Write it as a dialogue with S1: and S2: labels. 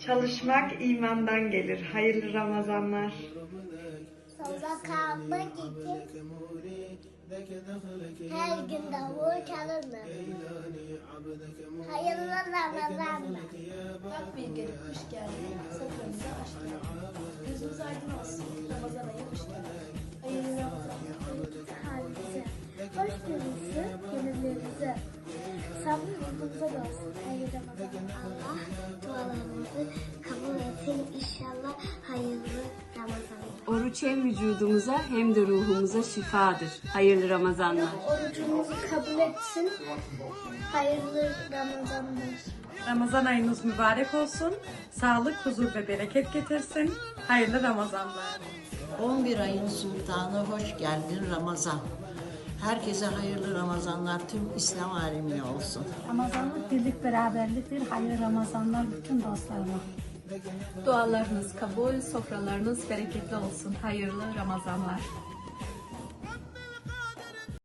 S1: Çalışmak imandan gelir. Hayırlı Ramazanlar.
S2: Sokağıma gidip her gün davul çalınır. Hayırlı Ramazanlar.
S3: Bak bir gelip kış geldi, soframızı açtık. Gözümüz aydın olsun, Ramazan ayı hoş geldi. Hayırlı Ramazanlar.
S2: Halimize, hoş gününüzü, gönüllerinize. Sabır yolumuza da olsun. Hayırlı Ramazanlar. Allah dualarımızı kabul etsin inşallah. Hayırlı Ramazanlar.
S4: Oruç hem vücudumuza hem de ruhumuza şifadır. Hayırlı Ramazanlar.
S2: Orucumuzu kabul etsin. Hayırlı Ramazanlar.
S1: Ramazan ayınız mübarek olsun. Sağlık, huzur ve bereket getirsin. Hayırlı Ramazanlar.
S5: 11 ayın sultanı hoş geldin Ramazan. Herkese hayırlı Ramazanlar tüm İslam alemine olsun.
S6: Ramazanlık birlik beraberliktir. Hayırlı Ramazanlar bütün dostlarıma.
S3: Dualarınız kabul, sofralarınız bereketli olsun. Hayırlı Ramazanlar.